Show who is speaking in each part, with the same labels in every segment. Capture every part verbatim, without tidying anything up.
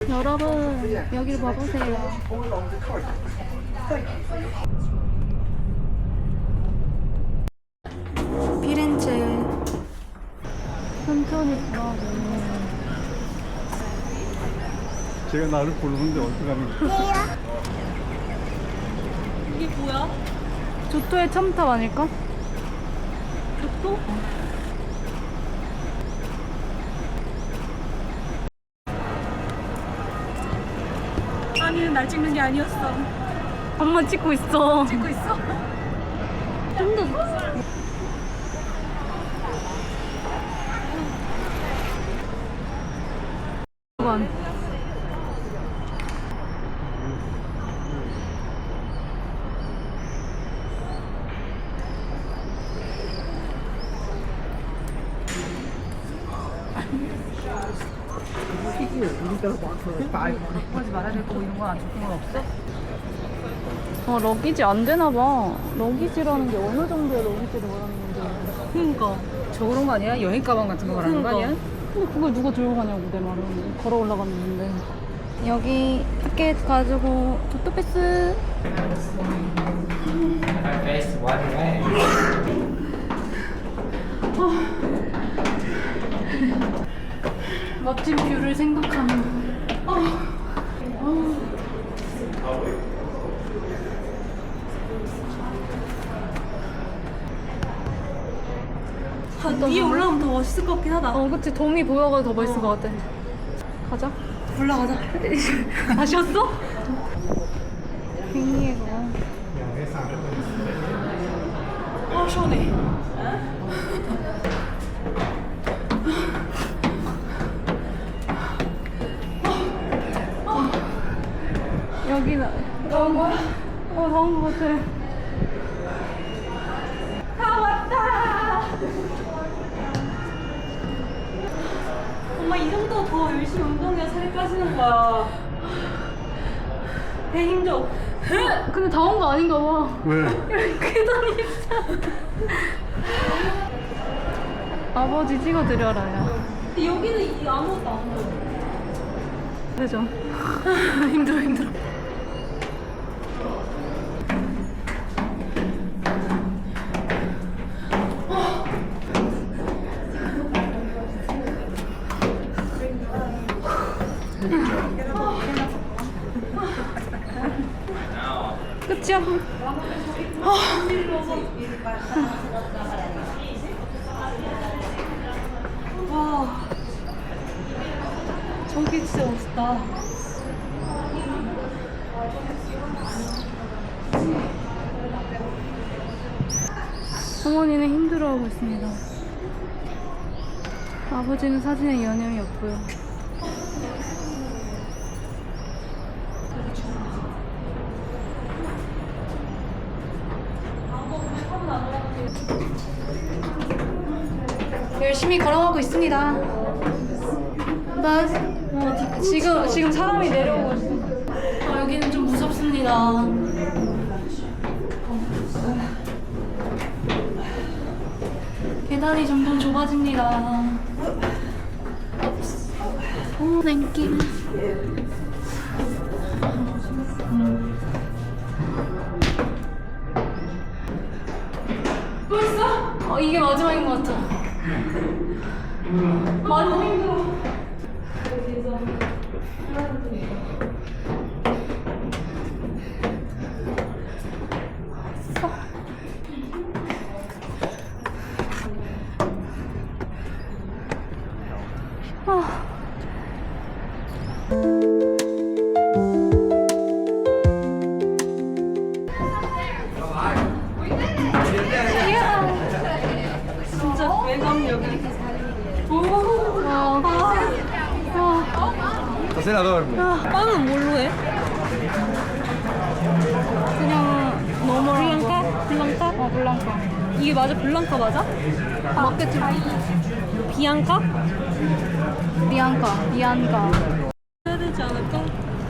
Speaker 1: 여러분 여기를 봐보세요. 피렌체. 천천히 가고.
Speaker 2: 제가 나를 부르는데 어떡하는
Speaker 3: 이게 뭐야?
Speaker 1: 조토의 첨탑 아닐까?
Speaker 3: 조또? 아니 날 찍는 게 아니었어.
Speaker 1: 엄마 찍고 있어.
Speaker 3: 찍고 있어?
Speaker 1: 좀 더. 잠깐.
Speaker 3: 하지 말아야 될 거고 이런 건 안 적힌 건 없어?
Speaker 1: 아, 러기지 안 되나 봐. 러기지라는 게 어느 정도의 러기지를 말하는 건지.
Speaker 3: 그니까 저 그런 거 아니야? 여행 가방 같은 거 말하는 거 아니야?
Speaker 1: 근데 그걸 누가 들고 가냐고 내 말은. 걸어 올라갔는데. 여기 티켓 가지고 조토패스.
Speaker 4: Face one way.
Speaker 1: 멋진 뷰를 생각하면.
Speaker 3: 아, 위에 올라오면 더 멋있을 것 같긴 하다.
Speaker 1: 어, 그치. 돔이 보여가지고 더 멋있을 것 같아. 가자.
Speaker 3: 올라가자.
Speaker 1: 아쉬웠어? 빙의가.
Speaker 3: 어 시원해.
Speaker 1: 여기는 나온 거야? 어, 나온 거 같아.
Speaker 3: 다 왔다. 엄마 이 정도 더 열심히 운동해야 살이 빠지는 거야. 배 힘줘.
Speaker 1: 근데 다 온 거 아닌가 봐.
Speaker 2: 왜?
Speaker 1: 계단이 있어. 아버지 찍어드려라요.
Speaker 3: 근데 여기는 이 아무것도 안 보여.
Speaker 1: 그죠? 힘들어 힘들어. 끝이야?
Speaker 3: 와. 저기 진짜 멋있다.
Speaker 1: 어머니는 힘들어하고 있습니다. 아버지는 사진에 여념이 없고요. 열심히 걸어가고 있습니다. 나 어, 지금 지금 사람이 내려오고 있어. 아, 여기는 좀 무섭습니다. 계단이 점점 좁아집니다. 오, 땡큐. 벌써? 어, 이게 마지막인 것 같아. 많이 힘들어. 아.
Speaker 3: 진짜 외곽력이. 오.
Speaker 1: 아. 아.
Speaker 2: Stasera dormi.
Speaker 3: 빵은 뭘로 해?
Speaker 1: 그냥 너머한 거.
Speaker 3: 블랑카?
Speaker 1: 어, 블랑카.
Speaker 3: 이게 맞아? 블랑카 맞아?
Speaker 1: 마케트
Speaker 3: 비앙카?
Speaker 1: 비앙카, 비앙카.
Speaker 3: 해야 되지 않을까?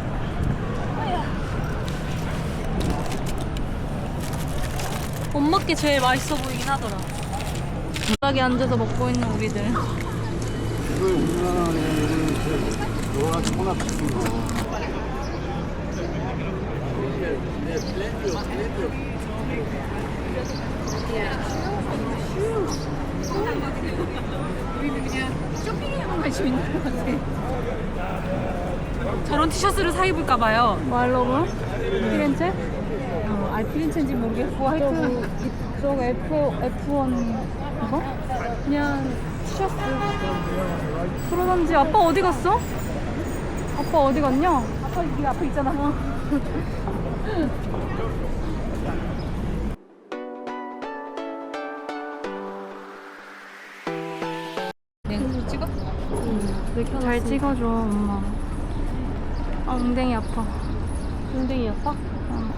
Speaker 3: 엄마께 제일 맛있어 보이긴 하더라.
Speaker 1: 바닥에 앉아서 먹고 있는 우리들.
Speaker 2: 이거 우리나라는 돌아가서 혼합 같은 거.
Speaker 3: 우리는 그냥 쇼핑에만 관심 있는 것 같아. 저런 티셔츠를 사 입을까 봐요.
Speaker 1: 말로만? 피렌체?
Speaker 3: 어, 아 피렌체인지 모르겠고 하여튼
Speaker 1: 저거 F, 에프원 이거?
Speaker 3: 그냥
Speaker 1: 티셔츠 그러던지 아빠 어디 갔어? 아빠 어디 갔냐?
Speaker 3: 아빠 여기 앞에 있잖아. 네, 찍어?
Speaker 1: 잘 찍어줘 엄마. 아 엉덩이 아파.
Speaker 3: 엉덩이 아파?
Speaker 1: 어.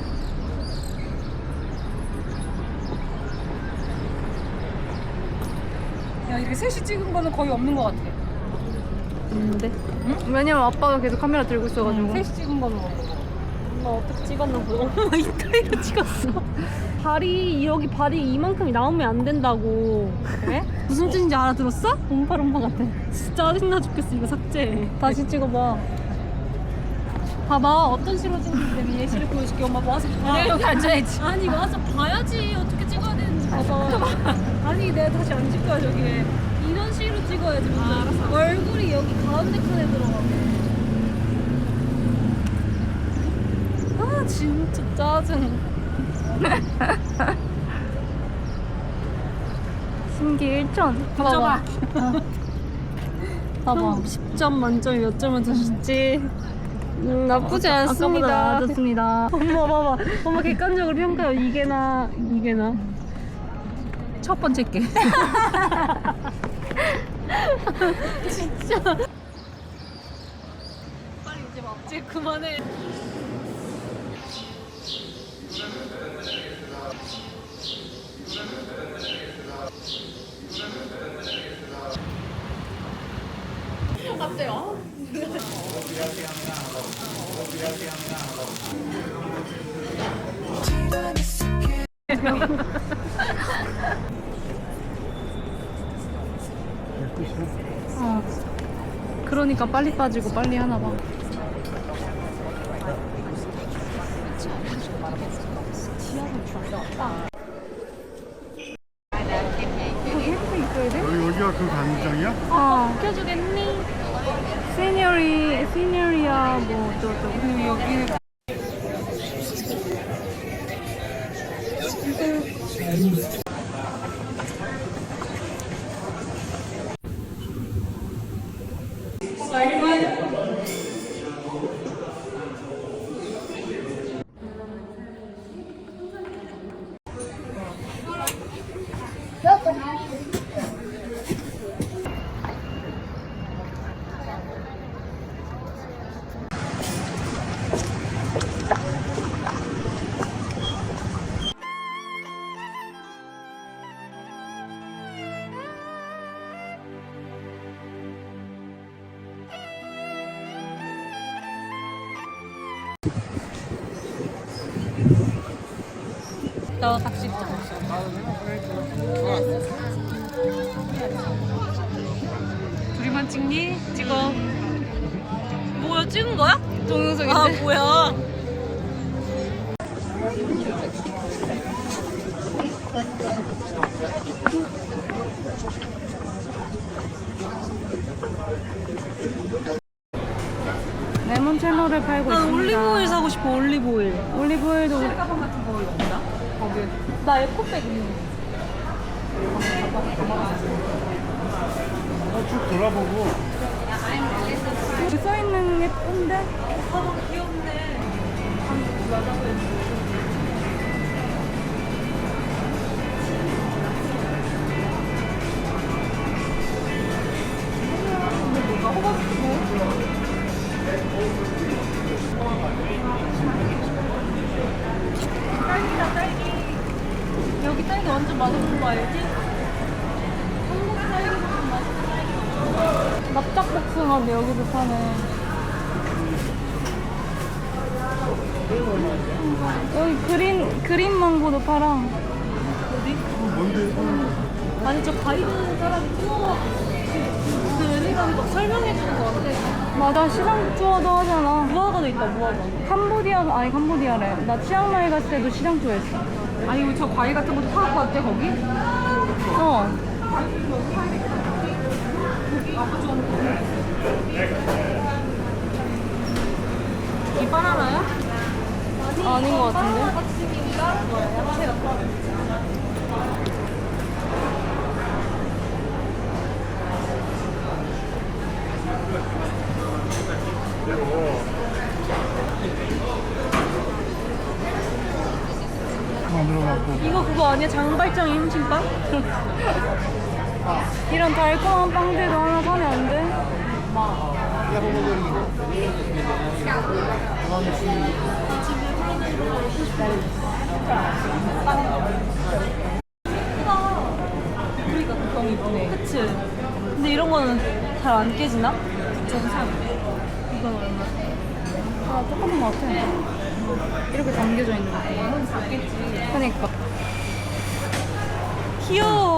Speaker 3: 야 이렇게 셋이 찍은 거는 거의 없는 것 같아.
Speaker 1: 있는데? 왜냐면 아빠가 계속 카메라 들고 있어가지고.
Speaker 3: 셋이 찍은 거는 없는 거. 나 어떻게 찍었나 보다. 엄마 이따위로 찍었어. 발이 여기 발이 이만큼이 나오면 안 된다고. 그래? 무슨 뜻인지 알아들었어?
Speaker 1: 엄팔 엄마 같아.
Speaker 3: 진짜 짜증나 죽겠어. 이거 삭제.
Speaker 1: 다시 찍어봐.
Speaker 3: 봐봐 어떤 식으로 찍는지 내가 예시를 보여줄게. 엄마 와서 봐.
Speaker 1: 내가 여기 앉아야지.
Speaker 3: 아니 와서 봐야지 어떻게 찍어야 되는지 봐봐. 아니 내가 다시 안 찍 거야 저기. 이런 식으로 찍어야지. 아, 알았어. 얼굴이 여기 가운데 칸에 들어가고. 아 진짜 짜증.
Speaker 1: 신기 일 점.
Speaker 3: 봐봐.
Speaker 1: 봐봐.
Speaker 3: 십 점 만점에 몇 점을 주실지. 음, 나쁘지
Speaker 1: 아까보다
Speaker 3: 않습니다.
Speaker 1: 나아졌습니다.
Speaker 3: 엄마 봐봐. 엄마 객관적으로 평가요. 이게 나, 이게 나. 첫 번째 게. 진짜. 빨리 이제 막지 그만해.
Speaker 1: 어. 그러니까 빨리 빠지고 빨리 하나 봐.
Speaker 2: 여기 여기가 그 간장이야?
Speaker 1: 어.
Speaker 3: 켜주겠니?
Speaker 1: 시니어리, 시니어리야 뭐 어쩌고
Speaker 3: 그리고 여기 나 닥치 둘이만 찍니? 찍어. 뭐야 찍은 거야?
Speaker 1: 동영상인데.
Speaker 3: 아 뭐야?
Speaker 1: 레몬 채널을 팔고
Speaker 3: 난
Speaker 1: 있습니다.
Speaker 3: 올리브오일 사고 싶어. 올리브오일.
Speaker 1: 올리브오일도 우리-
Speaker 3: 가방 같은 거 없나? 거기. 나 에코백 있는데.
Speaker 2: 어, 쭉 돌아보고.
Speaker 1: 여기 써있는 예쁜데?
Speaker 3: 가방 귀엽네. 딸기다 딸기. 여기 딸기 완전 맛있는 거 알지? 한국 딸기보다 맛있는 딸기.
Speaker 1: 납작복숭아인데 여기도 파네. 여기 그린 그린 망고도 팔아.
Speaker 2: 뭔데?
Speaker 3: 아니 저 가이드 사람이 투어 그 의미가 막 설명해 주는 거 같아.
Speaker 1: 맞아, 시장 투어도 하잖아.
Speaker 3: 무화과도 있다, 무화과.
Speaker 1: 캄보디아, 아니 캄보디아래. 나 치앙마이 갔을 때도 시장 투어했어.
Speaker 3: 아니, 우리 저 과일 같은 것도 사갖고 왔대, 거기?
Speaker 1: 어.
Speaker 3: 이 바나나야?
Speaker 1: 아닌 것 같은데?
Speaker 2: 만들어갖고.
Speaker 3: 이거 그거 아니야? 장발장의 햄침빵?
Speaker 1: 이런 달콤한 빵들도 하나 사면 안 돼?
Speaker 3: 우리가 너무 이쁘네. 그치? 근데 이런 거는 잘 안 깨지나? 구천 삼. 이건 얼마?
Speaker 1: 아, 똑같은 것 같아. 이렇게 담겨져 있는 거.
Speaker 3: 이건 작겠지.
Speaker 1: 그러니까.
Speaker 3: 귀여워.